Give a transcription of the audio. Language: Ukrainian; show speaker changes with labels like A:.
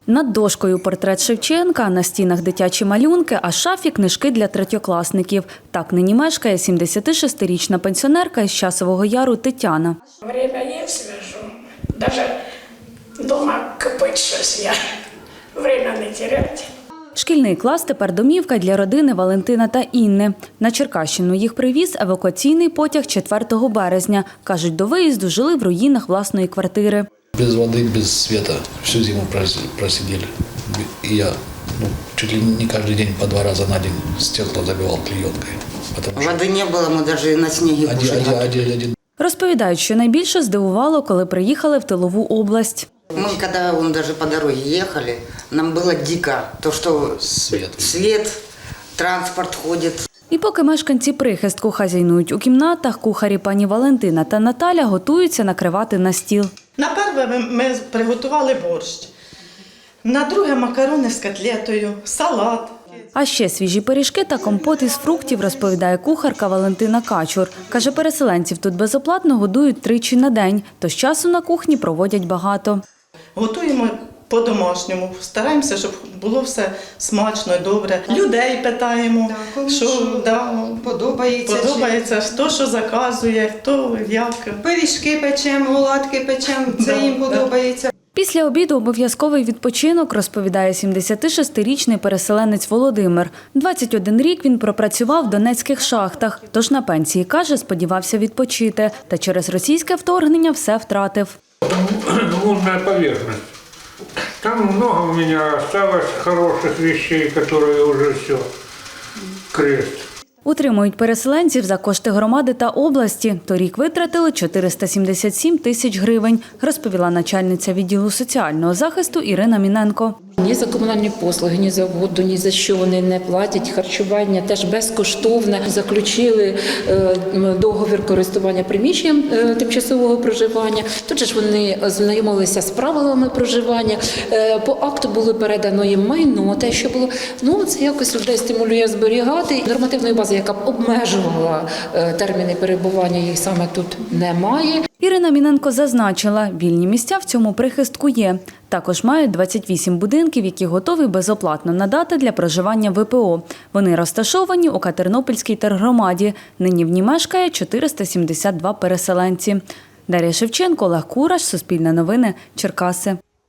A: Над дошкою портрет Шевченка, на стінах дитячі малюнки, а в шафі книжки для третьокласників. Так нині мешкає 76-річна пенсіонерка із Часового Яру Тетяна.
B: Время є, свяжу. Даже дома кипить щось я. Время не теряти.
A: Шкільний клас тепер домівка для родини Валентина та Інни. На Черкащину їх привіз евакуаційний потяг 4 березня. Кажуть, до виїзду жили в руїнах власної квартири.
C: Без воды, без света всю зиму просидели. И я чуть ли не каждый день по 2 раза на день стекла забивал клеенкой.
D: Воды не было, мы даже на снеге кушали.
C: Один.
A: Розповідають, що найбільше здивувало, коли приїхали в тилову область.
D: Мы, когда даже по дороге ехали, нам было дико, то, что свет, транспорт ходит.
A: І поки мешканці прихистку хазяйнують у кімнатах, кухарі пані Валентина та Наталя готуються накривати на стіл.
E: На перше ми приготували борщ, на друге макарони з котлетою, салат.
A: А ще свіжі пиріжки та компот із фруктів, розповідає кухарка Валентина Качур. Каже, переселенців тут безоплатно годують 3 на день, тож часу на кухні проводять багато.
E: Готуємо по-домашньому, стараємося, щоб було все смачно і добре. Людей питаємо, що подобається, хто що заказує, хто як.
F: Пиріжки печемо, оладки печемо, це їм подобається.
A: Після обіду обов'язковий відпочинок, розповідає 76-річний переселенець Володимир. 21 рік він пропрацював в донецьких шахтах, тож на пенсії, каже, сподівався відпочити. Та через російське вторгнення все втратив.
G: Лунная поверхность. Там много у меня осталось хороших вещей, которые уже все, крест.
A: Утримують переселенців за кошти громади та області. Торік витратили 477 тисяч гривень, розповіла начальниця відділу соціального захисту Ірина Міненко.
H: Ні за комунальні послуги, ні за воду, ні за що вони не платять. Харчування теж безкоштовне. Заключили договір користування приміщенням тимчасового проживання. Тут же ж вони знайомилися з правилами проживання. По акту було передано їм майно, те, що було. Це якось людей стимулює зберігати. Нормативної бази, яка б обмежувала терміни перебування, їх саме тут немає.
A: Ірина Міненко зазначила, вільні місця в цьому прихистку є. Також мають 28 будинків, які готові безоплатно надати для проживання ВПО. Вони розташовані у Катернопільській тергромаді. Нині в ній мешкає 472 переселенці. Дар'я Шевченко, Олег Кураш, Суспільне новини, Черкаси.